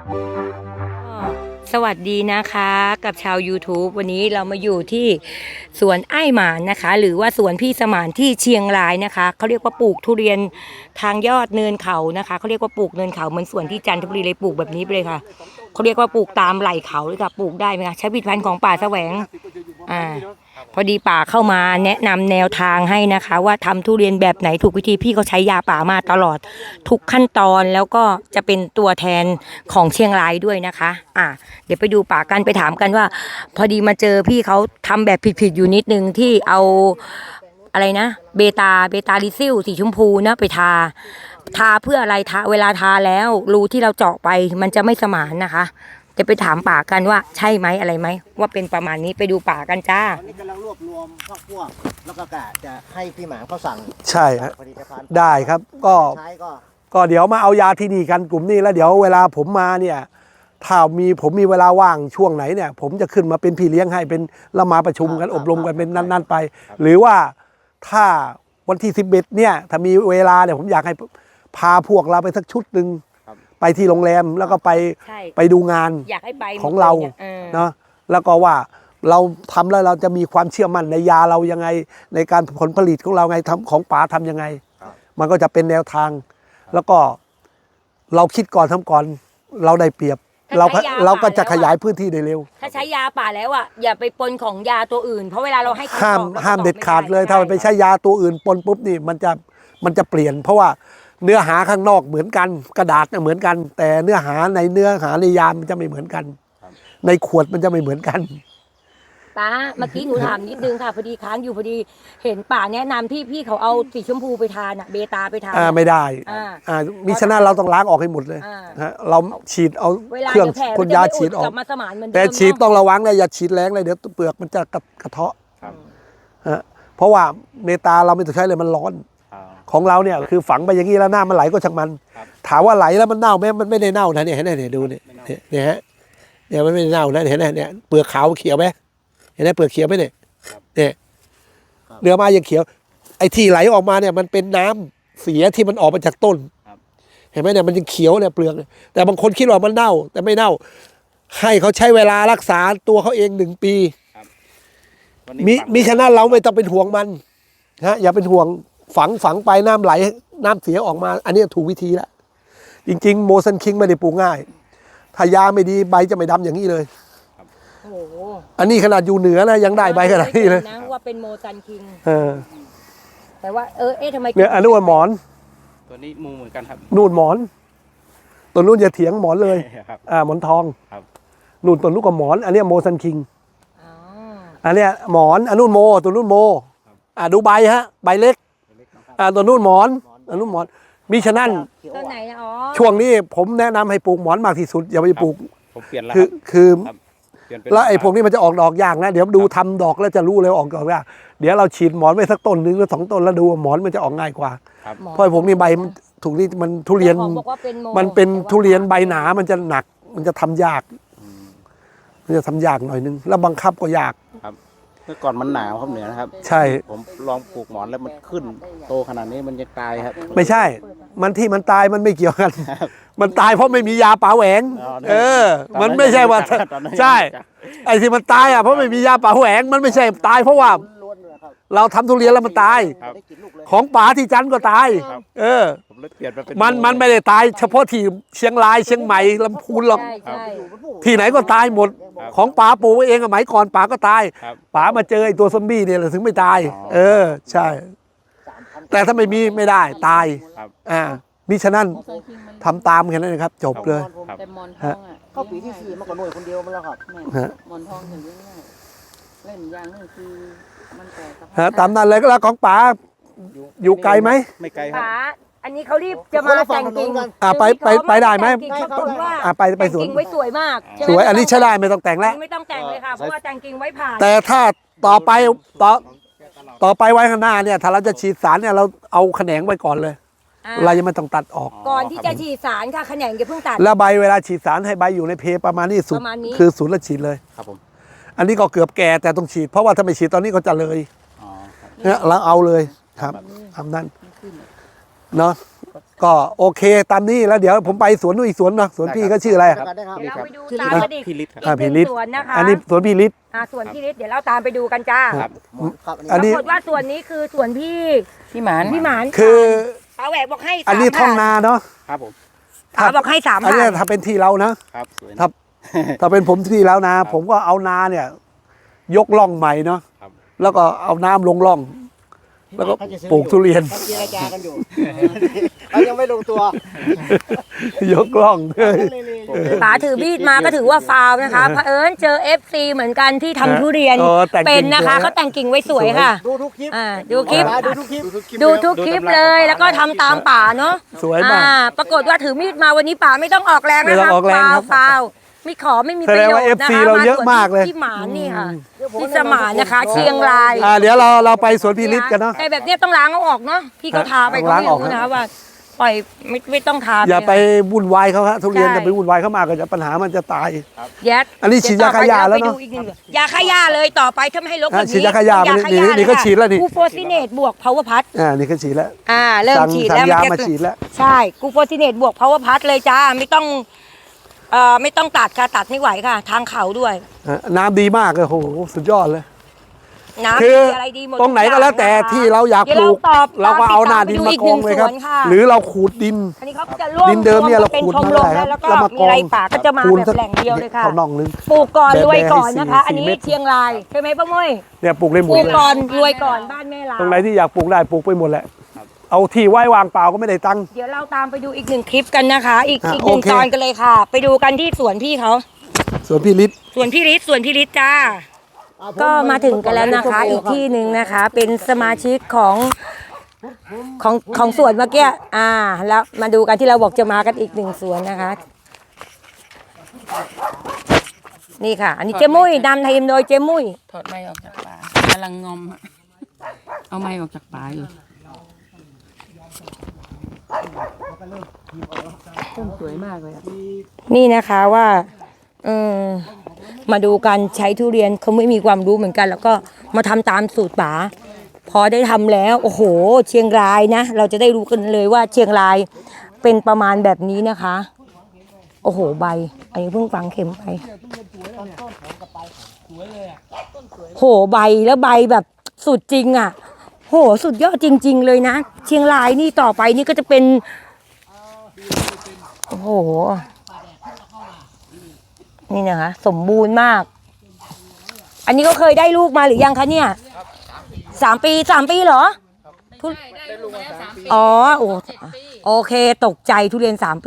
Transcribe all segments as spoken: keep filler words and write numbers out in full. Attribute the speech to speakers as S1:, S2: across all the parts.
S1: สวัสดีนะคะกับชาว YouTube วันนี้เรามาอยู่ที่สวนไอ้หมานนะคะหรือว่าสวนพี่สมานที่เชียงรายนะคะเขาเรียกว่าปลูกทุเรียนทางยอดเนินเขานะคะเขาเรียกว่าปลูกเนินเขาเหมือนสวนที่จันทบุรีเลยปลูกแบบนี้ไปเลยค่ะเขาเรียกว่าปลูกตามไหล่เขาเลยค่ะปลูกได้ไหมคะใช้ผลิตภัณฑ์ของป่าแสวงอ่าพอดีป่าเข้ามาแนะนำแนวทางให้นะคะว่าทำทุเรียนแบบไหนถูกวิธีพี่เขาใช้ยาป่ามาตลอดทุกขั้นตอนแล้วก็จะเป็นตัวแทนของเชียงรายด้วยนะคะอ่าเดี๋ยวไปดูป่ากันไปถามกันว่าพอดีมาเจอพี่เขาทำแบบผิดๆอยู่นิดนึงที่เอาอะไรนะเบตาเบตาลิซิลสีชมพูนะไปทาทาเพื่ออะไรทาเวลาทาแล้วรูที่เราเจาะไปมันจะไม่สมานนะคะจะไปถามป่ากันว่าใช่ไหมอะไรไหมว่าเป็นประมาณนี้ไปดูป่ากันจ้า
S2: ตอนนี้กำลังรวบรวมพวกพวกแล้วก็กะจะให้พี่หมานเขาสั่ง
S3: ใช่ครับ
S2: ผลิตภัณฑ์
S3: ได้ครับก็
S2: ใช้ก็
S3: ก็เดี๋ยวมาเอายาที่นี่กันกลุ่มนี้แล้วเดี๋ยวเวลาผมมาเนี่ยถ้ามีผมมีเวลาว่างช่วงไหนเนี่ยผมจะขึ้นมาเป็นพี่เลี้ยงให้เป็นเรามาประชุมกันอบรมกันเป็นนั่นๆไปหรือว่าถ้าวันที่สิบเอ็ดเนี่ยถ้ามีเวลาเนี่ยผมอยากให้พาพวกเราไปสักชุดหนึ่งไปที่โรงแรมแล้วก็ไปไปดูงาน
S1: อยากให้ไป
S3: ของเราเนาะแล้วก็ว่าเราทำแล้วเราจะมีความเชื่อมั่นในยาเรายังไงในการผลผลิตของเราไงทำของป๋าทำยังไงมันก็จะเป็นแนวทางแล้วก็เราคิดก่อนทำก่อนเราได้เปรียบเราเราก็จะขยายพื้นที่ได้เร็ว
S1: ถ้าใช้ยาป่าแล้วอ่ะอย่าไปปนของยาตัวอื่นเพราะเวลาเราให้
S3: ห้ามห้ามเด็ดขาดเลยถ้าไปใช้ยาตัวอื่นปนปุ๊บนี่มันจะมันจะเปลี่ยนเพราะว่าเนื้อหาข้างนอกเหมือนกันกระดาษเนี่ยเหมือนกันแต่เนื้อหาในเนื้อหาในยามันจะไม่เหมือนกันในขวดมันจะไม่เหมือนกัน
S1: ป้าเมื่อกี้หนูถามนิดนึงค่ะพอดีค้างอยู่พอดีเห็นป่าแนะนำที่พี่เขาเอาสีชมพูไปทานอะเบตาไปทาน
S3: อ่าไม่ได้อ่ามิฉะนั้นเราต้องล้างออกให้หมดเลยฮะเราฉีดเอาเครื่องพ่นยาฉีดออกแต่ฉีดต้องระวังนะอย่าฉีดแรงเลยเดี๋ยวเปลือกมันจะกระเทาะฮะเพราะว่าเมตาเราไม่ต้องใช้เลยมันร้อนของเราเนี่ยคือฝังไปอย่างนี้แล้วหน้ามันไหลก็ช่างมันถามว่าไหลแล้วมันเน่าไหมมันไม่ได้เน่านะเนี่ยเห็นไหมเนี่ยดูเนี่ยเนี่ยฮะเนี่ยมันไม่ได้เน่านะเห็นไหมเนี่ยเปลือกขาวเขียวไหมเห็นไหมเปลือกเขียวไหมเนี่ยเนี่ยเนื้อมายังเขียวไอ้ที่ไหลออกมาเนี่ยมันเป็นน้ำเสียที่มันออกมาจากต้นเห็นไหมเนี่ยมันยังเขียวเนี่ยเปลือกแต่บางคนคิดว่ามันเน่าแต่ไม่เน่าให้เขาใช้เวลารักษาตัวเขาเองหนึ่งปีมีมีฉะนั้นเราไม่ต้องเป็นห่วงมันฮะอย่าเป็นห่วงฝังฝังไปน้ำไหลน้ำเสียออกมาอันนี้ถูกวิธีแล้วจริงๆโมซันคิงไม่ได้ปลูกง่ายถ้ายาไม่ดีใบจะไม่ดำอย่างนี้เลยอันนี้ขนาดอยู่เหนือนะยังได้ใบขนาดนี้เลย
S1: นะว่าเป็นโมซันคิง
S3: เออ
S1: แต่ว่าเออเอ๊ะทำไม
S3: เนี่ยอันนู้นหมอน
S4: ตัวนี้มูเหมือนกันครับ
S3: นู่นหมอนตัวนู้นอย่าเถียงหมอนเลยอ่าหมอนทองนู่นตัวนู้นก็หมอนอันนี้โมซันคิงอันนี้หมอนอันนู้นโมตัวนู้นโมอ่าดูใบฮะใบเล็กอ่าตัวนู้นหมอนอันนู้นหมอนมิฉะนั้น
S1: ต้นไหนอ๋อ
S3: ช่วงนี้ผมแนะนำให้ปลูกหมอนมากที่สุดอย่าไปปลูก
S4: ผมเปลี่ยนแล้ว
S3: คือคือแล้วไอ้พวกนี้มันจะออกดอกยากนะเดี๋ยวดูทำดอกแล้วจะรู้เลยออกดอกยากเดี๋ยวเราฉีดหมอนไว้สักต้นหนึ่งหรือสองต้นแล้วดูหมอนมันจะออกง่ายกว่าเพราะพวกนี้ใบถูกนี่มันทุเรียนมันเป็นทุเรียนใบหนามันจะหนักมันจะทำยากมันจะทำยากหน่อยนึงแล้วบังคับก็ยาก
S4: เมื่อก่อนมันหนาวครับเหนือนะครับ
S3: ใช่
S4: ผมลองปลูกหมอนแล้วมันขึ้นโตขนาดนี้มันจะตายครับ
S3: ไม่ใช่มันที่มันตายมันไม่เกี่ยวกันมันตายเพราะไม่มียาป่าแหวงเออมันไม่ใช่ว่าใช่ไอ้ที่มันตายอ่ะเพราะไม่มียาป่าแหวงมันไม่ใช่ตายเพราะว่าเราทำทุเรียนแล้วมันตายของป่าที่จันทร์ก็ตายเออมันมันไม่ได้ตายเฉพาะที่เชียงรายเชียงใหม่ลำพูนหรอกที่ไหนก็ตายหมดของป่าปลูกเองสมัยก่อนป่าก็ตายป่ามาเจอไอ้ตัวซอมบี้เนี่ยถึงไม่ตายเออใช่แต่ถ้าไม่มีไม่ได้ตายอ่ามิฉะนั้นทำตามแค่นั้นนะครับจบเลย
S2: แต่มอนทองอ่ะเข้าปีที่สี่มันก็หน่วยคนเดียวมันแล้วครับมอนทองถึงยังไงเล่นอย่างนึงคือมันแต่
S3: ตามนั้นเลยก็แล้วของป๋าอยู่ไกลไหม
S4: ไม่ไกลครับ
S1: ป๋าอันนี้เขารีบจะมาแต่งกิ่ง
S3: อ่าไปไปไปได้ไหมอ่าไปไปสวน
S1: ไว้สวยมาก
S3: สวยอันนี้ใช้ได้ไม่ต้องแต่งแล้ว
S1: ไม่ต้องแต่งเลยค่ะเพราะว่าแต่งกิ่งไว้ผ่าน
S3: แต่ถ้าต่อไปต่อต่อไปไว้ข้างหน้าเนี่ยถ้าเราจะฉีดสารเนี่ยเราเอาแขนงไว้ก่อนเลยเรายังไม่ต้องตัดออก
S1: ก่อนที่จะฉีดสารค่ะแขนงอย่าเพิ่งตัด
S3: แล้วใบเวลาฉีดสารให้ใบอยู่ในเพประมาณนี้สุดคือศูนย์ละฉีดเลย
S4: ครับผม
S3: อันนี้ก็เกือบแก่แต่ต้องฉีดเพราะว่าถ้าไม่ฉีดตอนนี้ก็จะเลยเนี่ยเราเอาเลยครับทำนั้นเนาะก็โอเคตามนี้แล้วเดี๋ยวผมไปสวนนู้นอีกสวนนะสวนพี่ก็ชื่ออะไร
S4: ครับ
S2: ได้ครับ
S1: เดี๋ยวเราไปดู
S4: พี่
S1: ตามกันอีก
S4: พี่ฤทธิ์ครับ
S3: อ่า
S1: อี
S3: พี่
S1: กห
S3: ฤ
S1: นึ่
S3: ทธิ์
S1: งสวนนะคะ
S3: อันนี้สวนพี่ฤทธิ์
S1: อ่าสวนพี่ฤทธิ์เดี๋ยวเราตามไปดูกันจ้า
S4: ครับ
S2: ครับ
S3: อันนี้
S1: ปรากฏว่าส่วนนี้คือส่วนพี่
S2: พี่หมาน
S1: พี่หมาน
S3: คือ
S1: ป้าแหวกบอกให้สาม
S3: อันนี้ท่องนาเนาะ
S4: ครับผม
S1: ป้าบอกให้สาม
S3: อัน
S1: พั
S3: นี้
S1: น
S3: ถ้าเป็นที่เรานะ
S4: ครับสวย
S3: ครั
S4: นะ
S3: บ ถ้าเป็นผมที่แล้วนะ ผมก็เอานาเนี่ย ยกล่องใหม่เนาะ
S4: ครับ
S3: แล้วก็เอาน้ำลงล่อง แล้วก็ปลูกทุเรียน
S2: เขาเจรจากันอยู่ เขายังไม่ลงตัวย
S3: กล่องเลย
S1: ป๋าถือมีดมาก็ถือว่าฟาวล์นะคะเผอิญเจอ เอฟ ซี เหมือนกันที่ทำทุเรียน
S3: เออแต่ง
S1: เป็นนะคะ
S3: จริงๆ
S1: เขาแต่งกิ่งไว้สวยค่ะ
S2: ดูทุกคลิป
S1: อ่าดูคลิป
S2: ดูทุกคลิป
S1: ดูทุกคลิปเลยแล้วก็ทำตามป่าเนาะ
S3: สวยมาก
S1: อ่ปรากฏว่าถือมีดมาวันนี้ป่าไม่ต้องออกแรง
S3: ไม่
S1: นะ
S3: ต้อ
S1: คะ
S3: งออกแรง
S1: ฟา
S3: ครั
S1: ว
S3: บ
S1: ฟาวไม่ขอไม่มี
S3: แส
S1: ประ
S3: ดง
S1: โยช
S3: ว่า
S1: น์นะ
S3: เอฟซี
S1: คะ
S3: เราเยอะมากเลย
S1: ที่หมานนี่ค่ะที่สมานนะคะ เชียงราย
S3: อ่าเดี๋ยวเราเราไปสวนพี่ฤทธิ์กันเนาะ
S1: แต่แบบเนี้ยต้องล้างเอาออกเนาะพี่เขาทาไป
S3: ต้อง
S1: ก็
S3: ล้าง
S1: ไม่
S3: ออก
S1: รู้
S3: นะ
S1: นะคะว่าปล่อยไม่ไม่ต้องทา
S3: อย่าไป
S1: เลย
S3: วุ่นวายเขาฮะทุเรียน
S1: ใช่
S3: จะไปวุ่นวายเขามากก็จะปัญหามันจะตาย
S1: แยัด
S3: อันนี้ฉีดยาฆ่าหญ้าแล้วเนอะ
S1: ดี๋ยต่อไปรไปดูอีกหงยาฆ่าหญ้าเลยต่อไปถ้าไม่ให้ลกแบบ
S3: อ่ะ
S1: นี้
S3: ฉีดยาฆ่าหญ้า
S1: ต้อง
S3: มานี่นี่
S1: ฆ่าหญ้า
S3: นี่ก็
S1: เลยค่ะ
S3: ฉีดแล้วนี่
S1: กูโฟซิเนตบวกพาวเวอร์พัท
S3: อ่านี่ก็ฉีดแล้ว
S1: อ่าเริ่ม
S3: สั่ง
S1: ฉีด
S3: สั่
S1: แล้ว
S3: งยา
S1: จะ
S3: มาฉีดแล้ว
S1: ใช่กูโฟซิเนตบวกพาวเวอร์พัทเลยจ้าไม่ต้องเอ่อไม่ต้องตัดค่ะตัดไม่ไหวค่ะ ทางเขาด้วย
S3: อ่ะน้ำดีมากเลยโอ้โหสุดยอดเลย
S1: น้ำ
S3: คือ
S1: ดีอะไรดีหมด
S3: ตรงไหนก็แล้วแต่
S1: ทุกอย่างนะคะ
S3: ที่เราอยาก
S1: เดี๋ยว
S3: ปลูก
S1: เราตอบ
S3: เราก็เอาหน้า
S1: ตาม
S3: ดิน
S1: ไปดู
S3: มา
S1: อีก
S3: กองเลยครับ
S1: หนึ่งสวนค่ะ
S3: หรือเราขูดดิน
S1: อันนี้เขาจะร่วม
S3: ดินเดิมเนี่ยเรา
S1: เป็น
S3: ขูด
S1: ชม
S3: มาร
S1: ม
S3: ได้ครับ
S1: แล้วก็
S3: แล้วมาก
S1: มี
S3: อง
S1: อะไรป่าก็จะมา
S3: คูณ
S1: แบบ
S3: สัก
S1: แหล่งเดียวเลยค่ะ
S3: เขาน่องนึง
S1: ปลูกก่อน
S3: แบบ
S1: รวยก่อน
S3: ให้สี่
S1: นะคะ อันนี้
S3: สี่เม็ด
S1: เชียงรายใช่ไหมป้าม้ย
S3: เนี่ยปลูกได้หม
S1: ป
S3: ด
S1: ลูก
S3: เลย
S1: ก่อนรวยก่อนบ้านแม่ลา
S3: ตรงไหนที่อยากปลูกได้ปลูกไปหมดแหละเอาที่ไว้วางเปล่าก็ไม่ได้ตังค์
S1: เดี๋ยวเราตามไปดูอีกหนึ่งคลิปกันนะคะ อีก
S3: อ่ะ
S1: อีกหนึ่ง
S3: โอเค
S1: ตอนกันเลยค่ะ ไปดูกันที่สวนพี่เขา
S3: ส่วนพี่ฤทธิ์
S1: สวนพี่ฤทธิ์สวนพี่ฤทธิ์จ้า ก็มาถึงกันแล้วนะคะ อีกที่หนึ่งนะคะ เป็นสมาชิกของของของสวนเมื่อกี้อ่า แล้วมาดูกันที่เราบอกจะมากันอีกหนึ่งสวนนะคะ นี่ค่ะ อันนี้เจมุ้ยนำทีมโดยเจมุ้ย
S2: ถอดไม้ออกจากป่ากำลังงอม เอาไม้ออกจากป่าอยู่ต้นสวยมากเลยอะ
S1: นี่นะคะว่าเออมาดูการใช้ทุเรียนเขาไม่มีความรู้เหมือนกัน แล้วก็มาทำตามสูตรป๋าพอได้ทำแล้ว โอ้โห เชียงรายนะ เราจะได้รู้กันเลยว่าเชียงรายเป็นประมาณแบบนี้นะคะ โอ้โหใบ อันนี้เพิ่งฝังเข็มไปโหใบแล้วใบแบบสุดจริงอ่ะ โหสุดยอดจริง ๆ เลยนะ เชียงรายนี่ต่อไปนี่ก็จะเป็นโอ้โห นี่นะคะ สมบูรณ์มาก อันนี้ก็เคยได้ลูกมาหรือยังคะเนี่ยสามปีสามปีเหรอทุอ๋อโอ้โอเคตกใจทุเรียนสามปี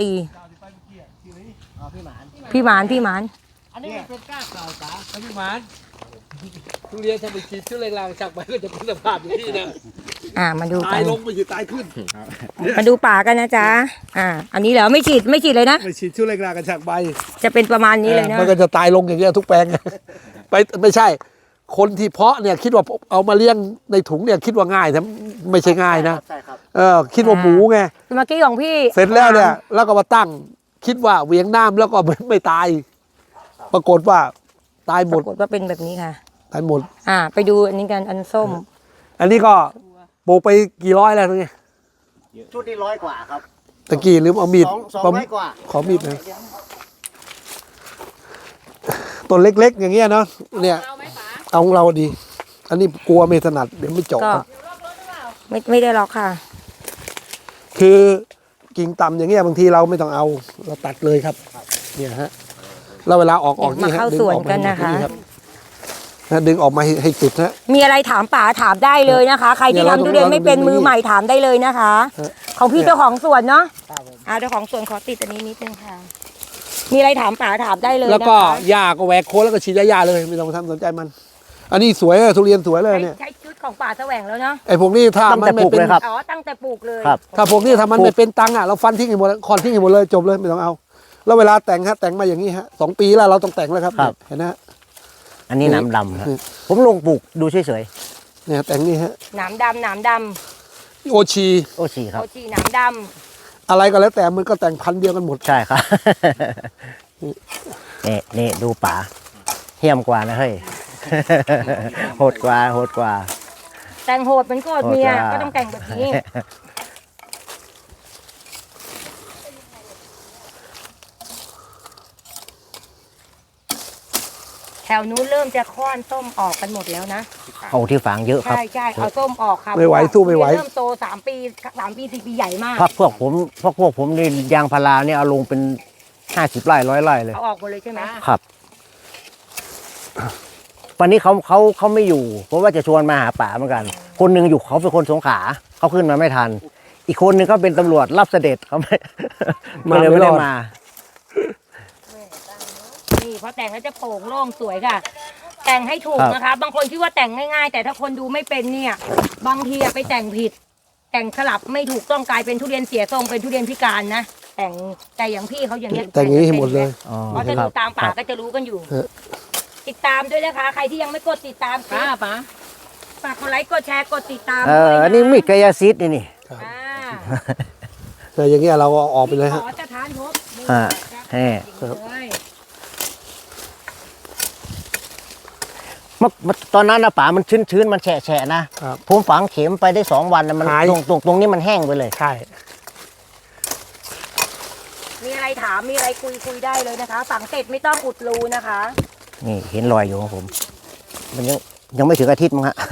S1: พี่หมานพี่หมาน
S2: อันนี้เป็นก้าเก่าจ๋า
S3: พี่หมานทุเรียนถ้าไปฉีดชุดแรงๆจากไปก็จะเป็นสภาพอย่างนี้นะ
S1: อ่ามาดูกั
S3: ตาย
S1: น
S3: ลงไปอยู่ตายขึ้น
S1: มาดูป่ากันนะจ๊ะอ่า อันนี้เหรอไม่ฉีดไม่ฉีดเลยนะ
S3: ไปฉีดชุดแรงๆกันจากใบ
S1: จะเป็นประมาณนี้เลยนะ
S3: มันก็จะตายลงอย่างเงี้ยทุกแปลง ไปไม่ใช่ คนที่เพาะเนี่ยคิดว่าเอามาเลี้ยงในถุงเนี่ยคิดว่าง่ายแต่ไม่ใช่ง่ายนะ
S2: ใช่ครับ
S3: เออคิดว่าหมูไง
S1: เมื่อกี้ของพี่
S3: เสร็จแล้วเนี่ยแล้วก็มาตั้ง คิดว่าเหวียงน้ำแล้วก็ไม่ไม่ตาย ปรากฏว่าตายห
S1: ป
S3: มด
S1: รากฏว่าเป็นแบบนี้ค่ะ
S3: ตายหมด
S1: อ่า ไปดูอันนี้กันอันส้ม
S3: อันนี้ก็ปลูกไปกี่ร้อยแล้วเนี่ย
S2: ชุดนี้ร้อยกว่าครับ
S3: ตะกี้ลืมเอามีด
S2: สองสองร้อยกว่า
S3: ขอมีดหนะต้นเล็กๆ อย่างเงี้ยเนาะเนี่ยเอาของเราดี อันนี้กลัวไม่ถนัดเดี๋ยวไม่เจาะ
S1: ก็ ไม่ไม่ได้ล็อกค่ะ
S3: คือกิ่งต่ำอย่างเงี้ยบางทีเราไม่ต้องเอาเราตัดเลยครับ เนี่ยฮะแล้วเวลาออกออก
S1: มา
S3: นี่ฮะ
S1: เข้า
S3: ดึง
S1: สวน
S3: ออก
S1: กัน
S3: มา
S1: นะคะ
S3: รับนะดึงออกมาให้ให้สุดฮะ
S1: มีอะไรถามป๋าถามได้เลยนะคะ ใครที่
S3: เนี่ยเรา
S1: ทำทุเรียนไม่เป็น
S3: เราดู
S1: มือใหม่ถามได้เลยนะคะ
S3: ฮะ
S1: ของพี่
S3: เนี่ย
S1: เจ้าของสวนเนาะอ่าเจ้าของสวนขอติดอันนี้นิดนึงค่ะ มีอะไรถามป๋าถามได้เลย
S3: แล้ว
S1: นะคะ
S3: ก็หญ้าก็แหวกโคนแล้วก็ฉีดหญ้าๆเลยไม่ต้องทำสนใจมัน อันนี้สวยอะทุเรียนสวยเลย
S1: ใช้
S3: เนี่ย
S1: ใช้ชุดของป๋าแสวงแล้วเนาะ
S3: ไอ้พวกนี้ถ้ามันไม่เป็น
S1: อ๋อตั้งแต่ปลูกเลย
S2: ครับ
S3: ถ้าพวกนี้ถ้ามันไม่เป็นตังค์อ่ะเราฟันทิ้งให้หมดคอนทิ้งให้หมดเลยจบเลยไม่ต้องเอา แล้วเวลาแต่งฮะแต่งมาอย่างนี้ฮะสองปีแล้วเราต้องแต่งแล้วครับ
S5: ครับ
S3: เห็นนะฮะ
S5: อันนี้น้ำดำครับ
S3: อืม
S5: ผมลงปลูกดูเฉย
S3: เนี่ยแต่งนี่ฮะ
S1: หนามดำหนามด
S3: โอชี
S5: ๆ โอชี
S1: ำ
S5: ครับ
S1: โอจีหนามด
S3: อะไรก็แล้วแต่มันก็แต่งพันธุ์เดียวกันหมด
S5: ใช่ครับ นี่นี่ดูป่าเหี้ยมกว่านะเฮ้ย โหดกว่าโหดกว่า
S1: ำแต่งโหดเป็นโกดเมีย
S5: โหดจ้า
S1: ก็ต้องแต่งแบบนี้วนู้นเริ่มจะค้อนส้มออกกันหมดแล้วนะ
S5: เอาที่ฝางเยอะครับ
S1: ใช่ใช่เอาส้มออกค่ะ
S3: ไม่ไหวสู้ไม่ไหว
S1: เริ่มโตสามปีสามปีสี่ปีใหญ่มาก
S5: พักพวกผมพวกพวกผมนี่ยางพาราเนี่ยเอาลงเป็นห้าสิบไร่ร้อยไร่เลย
S1: เอาออกหมดเลยใช่ไหม
S5: ครับ วันนี้เขาเขาเขาไม่อยู่ เพราะว่าจะชวนมาหาป่าเหมือนกัน คนหนึ่งอยู่เขาเป็นคนสงขลาเขาขึ้นมาไม่ทัน อีกคนหนึ่งก็เป็นตำรวจรับเสด็จเขาไม่ ก็เลยไม่ได้มา
S1: นี่พอแต่งแล้วจะโปร่งโล่งสวยค่ะ แต่งให้ถูก
S5: ครับ
S1: นะคะ บางคนคิดว่าแต่งง่ายๆ แต่ถ้าคนดูไม่เป็นเนี่ย บางทีอะไปแต่งผิด แต่งสลับไม่ถูกต้องกลายเป็นทุเรียนเสียทรงเป็นทุเรียนพิการนะแต่งแต่อย่างพี่เขาอย่างเงี้ย
S3: แต่งอย่างนี้ให้หมดเลย
S5: อ๋อ
S1: เพราะจะ
S5: ค
S1: ดู
S5: รับ
S1: ตามป่า
S5: ครับ
S1: ก็จะรู้กันอยู่
S3: เออ
S1: ติดตามด้วยนะคะ ใครที่ยังไม่กดติดตาม
S2: ป้าป้า
S1: ฝากกดไลค์กดแชร์กดติดตาม
S5: เออ
S1: ด้วยะ
S5: อันนี้มีดกายซิดนี่นี่
S1: อ่า
S3: แต่อย่างเงี้ยเราก็ออกไปเลยฮะ
S1: ขอจะทานพบนี่
S5: อ่า
S1: ครับ
S5: แฮ่
S1: เลย
S5: เมื่อเมื่อตอนนั้นนะป่ามันชื้นชื้นๆมันแฉะแฉะๆนะครับ ผมฝังเข็มไปได้สองวันนะมัน
S3: หาย
S5: ตรงตรงตรงนี้มันแห้งไปเลย
S3: ใช่
S1: มีอะไรถามมีอะไรคุยคุยได้เลยนะคะฝังเสร็จไม่ต้องอุดรูนะคะ
S5: นี่เห็นรอยอยู่ของผม มันยังยังไม่ถึงอาทิตย์มั้งฮะ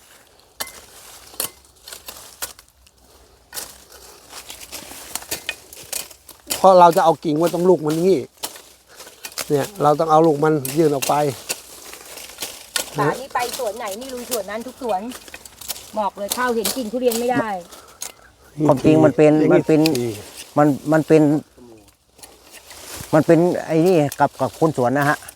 S3: เพราะเราจะเอากิ่งไว้ตรงลูกมันงี้ เนี่ยเราต้องเอาลูกมันยื่นออกไป
S1: ป่านี่ไปสวนไหนนี่ลุยสวนนั้นทุกสวน บอกเลยเข้าเห็นกิ่งทุเรียนไม่ได้
S5: ความจริงมันเป็นมันเป็น มันมันเป็น มันเป็นไอ้นี่กับกับคนสวนนะฮะ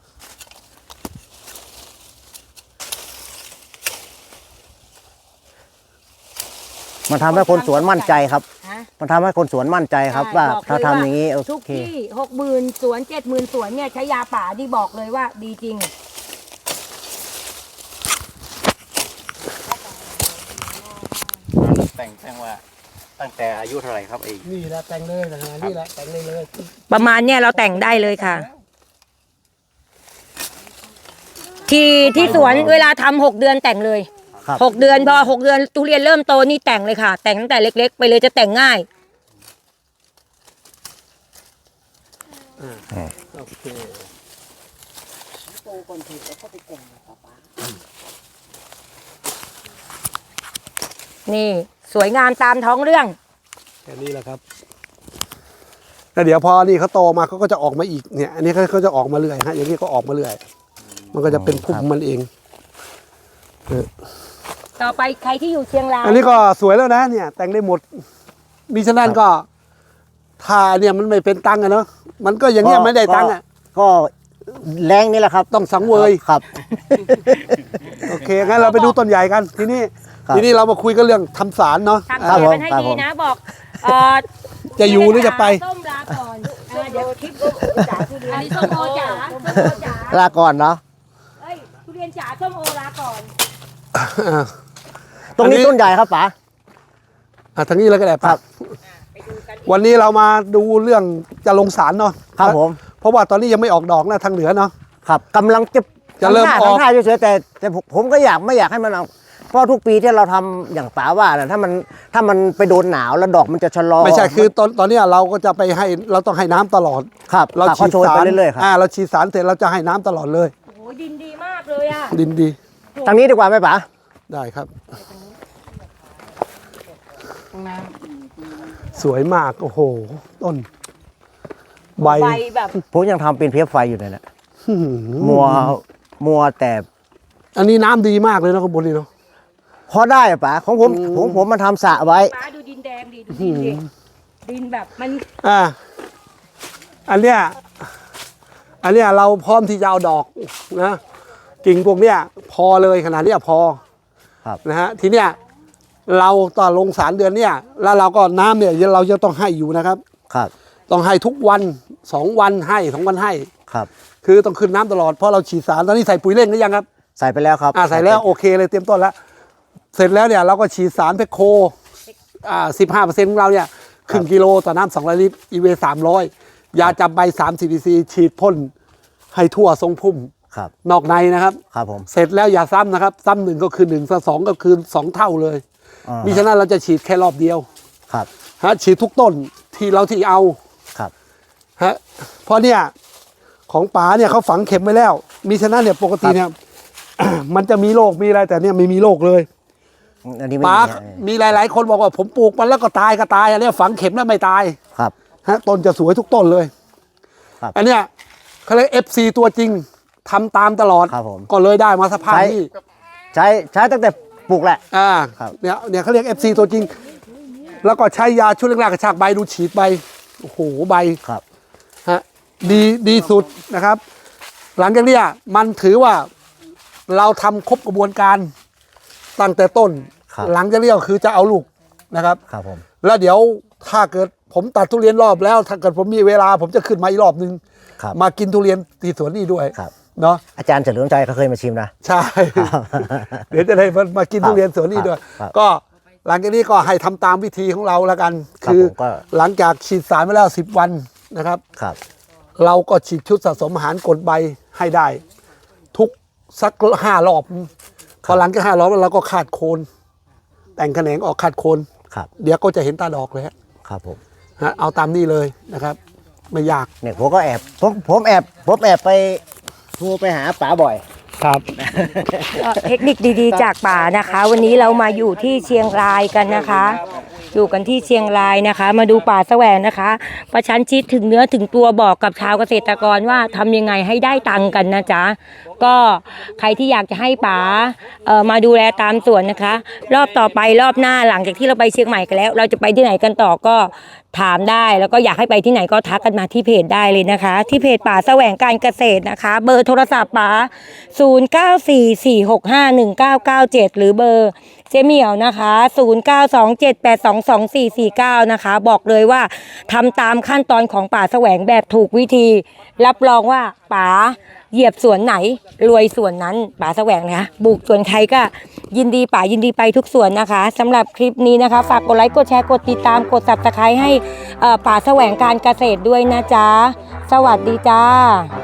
S5: มันทำให้คนสวนมั่นใจครับ
S1: ฮะ
S5: มันทำให้คนสวนมั่นใจครับ
S1: ใช่
S5: ว่า
S1: บอกเลย
S5: ถ้าทำอย่างนี้โอ
S1: ทุก
S5: เค
S1: ที่หกหมื่นสวนเจ็ดหมื่นสวนเนี่ยใช้ยาป่านี่บอกเลยว่าดีจริง
S4: แต่งแต่งว่าตั้งแต่อายุเท่าไหร่ครับไอ้
S3: นี่แหละแต่งเลยนะนี่แหละแต่งเลยเลย
S1: ประมาณเนี่ยเราแต่งได้เลยค่ะ ที่ที่สวนเวลาทำหกเดือนแต่งเลย
S5: ครับ
S1: หกเดือนพอหกเดือนทุเรียนเริ่มโตนี่แต่งเลยค่ะ แต่งตั้งแต่เล็ก ๆ ไปเลยจะแต่งง่าย
S3: โอเค
S1: นี่สวยงามตามท้องเรื่อง
S3: แค่นี้แหละครับแล้วเดี๋ยวพอนี่เขาโตมาเขาก็จะออกมาอีกเนี่ย อันนี้เขาเขาจะออกมาเรื่อยฮะอย่างนี้ก็ออกมาเรื่อย มันก็จะเป็นพุ่มมันเอง
S1: ต่อไปใครที่อยู่เชียงราย
S3: อันนี้ก็สวยแล้วนะเนี่ย แต่งได้หมดมิฉะนั้นก็ถ้าเนี่ยมันไม่เป็นตังค์อะเนาะมันก็อย่างเงี้ยไม่ได้ตังค์อะ
S5: ก็แรงนี่แหละครับ
S3: ต้องสังเวย
S5: ครับ
S3: โอเคงั้นเราไปดูต้นใหญ่กัน ทีนี้
S5: ครับ
S3: ทีนี้เรามาคุยกันเรื่องทำสารเนาะ
S1: ทำ
S5: ครับ
S1: เสีย
S5: ผม
S1: กันให้
S5: ครับ
S1: ดี
S5: ผม
S1: นะบอกเอ่อ
S3: จะอยู่หรือจะไป
S1: ส้มลาก่อนเออเดี๋ยวคลิปจ๋าทุเรียนอันนี้ส้มโอจ๋าส้มโอจ๋า
S5: ลาก่อนเนาะ
S1: เอ้ยทุเรียนจ๋าส้มโอลาก่อน
S5: ตรงนี้
S3: อันนี้
S5: ต้นใหญ่ครับป๋า
S3: อ่ะทางนี้แล้วก็ได้
S5: ครั
S3: ปะ
S5: บ
S1: ไปดูกัน
S3: วันนี้เรามาดูเรื่องจะลงสารเนาะ
S5: ครับผม
S3: เพราะว่าตอนนี้ยังไม่ออกดอกนะทางเหนือเนาะ
S5: ครับกำลังจะ
S3: จะเริ่ม
S5: ทำท่า
S3: ออก
S5: ทำท่าเฉยๆแต่แต่ผมผมก็อยากไม่อยากให้มันเอาเพราะทุกปีที่เราทำอย่างป๋าว่าน่ะถ้ามันถ้ามันไปโดนหนาวแล้วดอกมันจะชะลอ
S3: ไม่ใช่คือตอนตอนเนี้ยเราก็จะไปให้เราต้องให้น้ำตลอด
S5: ครับ
S3: เรา
S5: เรา
S3: ฉี
S5: ฉี
S3: ด
S5: ดโชย
S3: สา
S5: ไป
S3: ร
S5: เรื่อยๆครับ
S3: อ่าเราฉีดสารเสร็จเราจะให้น้ำตลอดเลย
S1: โอ้โหดินดีมากเลยอ่ะ
S3: ดินดี
S5: ทางนี้ดีกว่าไหมป๋า
S3: ได้ครับ
S2: ข้างหน้า
S3: สวยมากโอ้โห ต้น ใบ
S1: ใบแบบ
S5: ผมยังทำเป็นเพียบไฟอยู่เลยนะ
S3: หืม
S5: มัวมัวแต่
S3: อันนี้น้ำดีมากเลยนะข้างบนนี่เนาะ
S5: พอได้อะป๋าของผมผมผมมันทำสระไว้
S1: ฟ้าดูดินแดงดีดูดินดิดินแบบมัน
S3: อ่าอันเนี้ยอันเนี้ยเราพร้อมที่จะเอาดอกนะกิ่งพวกเนี้ยพอเลยขนาดเนี้ยพอ
S5: ครับ
S3: นะฮะทีเนี้ยเราต่อลงสารเดือนเนี้ยแล้วเราก็น้ำเนี่ยเราจะต้องให้อยู่นะครับ
S5: ครับ
S3: ต้องให้ทุกวันสองวันให้สองวันให้
S5: ครับ
S3: คือต้องขึ้นน้ำตลอดเพราะเราฉีดสารตอนนี้ใส่ปุ๋ยเร่งหรือยังครับ
S5: ใส่ไปแล้วครับ
S3: อ่าใส่แล้วโอเคเลยเตรียมต้นแล้ว เสร็จแล้วเนี่ยเราก็ฉีดสารเพคโคอ่าสิบห้าเปอร์เซ็นต์ของเราเนี่ยครึ่งกิโลต่อน้ำสองร้อยลิตรอีเวสามร้อยยาจับใบสามสิบซีฉีดพ่นให้ทั่วทรงพุ่ม
S5: ครับ
S3: นอกในนะครับ
S5: ครับผม
S3: เสร็จแล้วอย่าซ้ำนะครับซ้ำหนึ่งก็คือหนึ่งซ้ำสองก็คือสองเท่าเลย
S5: อ่า
S3: มิฉะนั้นเราจะฉีดแค่รอบเดียว
S5: ครับ
S3: ฮะฉีดทุกต้นที่เราที่เอา
S5: ครับ
S3: ฮะเพราะเนี่ยของป๋าเนี่ยเขาฝังเข็มไว้แล้ว มีฉะนั้นเนี่ยปกติเนี่ย มันจะมีโรคมีอะไรแต่เนี่ยไม่มีโรคเลย
S5: อันนี้ไม่
S3: ป๋า
S5: มีฮะ
S3: มีหลาย ๆ คนบอกว่าผมปลูกมันแล้วก็ตายก็ตายอันเนี้ยฝังเข็มแล้วไม่ตาย
S5: ครับ
S3: ฮะต้นจะสวยทุกต้นเลย
S5: ครับ
S3: อันเนี้ยเขาเรียกเอฟซีตัวจริงทำตามตลอด
S5: ครับผม
S3: ก็เลยได้มาสภาพ
S5: ใช้
S3: ที่
S5: ใช้ใช้ตั้งแต่ปลูกแหละ
S3: อ่า
S5: ครับ
S3: เนี่ยเนี่ยเขาเรียกเอฟซีตัวจริง แล้วก็ใช้ยาชุดแรกๆกระชากใบดูฉีดใบโอ้โหใบ
S5: ครับ
S3: ฮะดีดีสุดนะครับ หลังจากเนี้ยมันถือว่าเราทำครบกระบวนการตั้งแต่ต้น
S5: ครับ
S3: หลังจากเนี้ยก็คือจะเอาลูกนะครับ
S5: ครับผม
S3: แล้วเดี๋ยวถ้าเกิดผมตัดทุเรียนรอบแล้ว ถ้าเกิดผมมีเวลา ผมจะขึ้นมาอีกรอบนึง
S5: ครับ
S3: มากินทุเรียนที่สวนนี่ด้วย
S5: ครับ
S3: เนาะ
S5: อาจารย์เฉลิมชัยเขาเคยมาชิมนะ
S3: ใช่ เดี๋ยวจะได้มามากินทุเรียนสวนนี่ด้วย
S5: ครับ
S3: ก็หลังจากนี้ก็ให้ทำตามวิธีของเราแล้วกัน
S5: ครับ
S3: คือ
S5: ผมก็
S3: หลังจากฉีดสารไปแล้วสิบวันนะครับ
S5: ครับ
S3: เราก็ฉีดชุดสะสมอาหารกดใบให้ได้ ทุกสักห้ารอบพอหลังจากห้ารอบแล้วเราก็ขาดโคน แต่งแขนงออกขาดโคน
S5: ครับ
S3: เดี๋ยวก็จะเห็นตาดอกเลยฮะ
S5: ครับผม
S3: ฮะเอาตามนี้เลยนะครับ ไม่ยาก
S5: เนี่ยผมก็แอบผมผมแอบผมแอบไปโทรไปหาป๋าบ่อย
S3: ครับ
S1: ก็เทคนิคดีๆจากป่านะคะ วันนี้เรามาอยู่ที่เชียงรายกันนะคะ อยู่กันที่เชียงรายนะคะ มาดูป่าแสวงนะคะ ประชันชิดถึงเนื้อถึงตัวบอกกับชาวเกษตรกรว่าทำยังไงให้ได้ตังค์กันนะจ๊ะก็ใครที่อยากจะให้ป๋าเอ่อมาดูแลตามสวนนะคะ รอบต่อไปรอบหน้าหลังจากที่เราไปเชียงใหม่กันแล้ว เราจะไปที่ไหนกันต่อก็ถามได้ แล้วก็อยากให้ไปที่ไหนก็ทักกันมาที่เพจได้เลยนะคะ ที่เพจป่าแสวงการเกษตรนะคะ เบอร์โทรศัพท์ป๋าศูนย์ เก้า สี่ สี่ หก ห้า หนึ่ง เก้า เก้า เจ็ด หรือเบอร์เจเหมียวนะคะศูนย์ เก้า สอง เจ็ด แปด สอง สอง สี่ สี่ เก้านะคะ บอกเลยว่าทำตามขั้นตอนของป่าแสวงแบบถูกวิธี รับรองว่าป๋าเหยียบสวนไหนรวยสวนนั้นป๋าแสวงนะคะบุกสวนใครก็ยินดีป๋ายินดีไปทุกสวนนะคะสำหรับคลิปนี้นะคะฝากกดไลค์กดแชร์กดติดตามกด ซับสไครบ์ ให้เอ่อป่าแสวงการเกษตรด้วยนะจ๊ะสวัสดีจ้า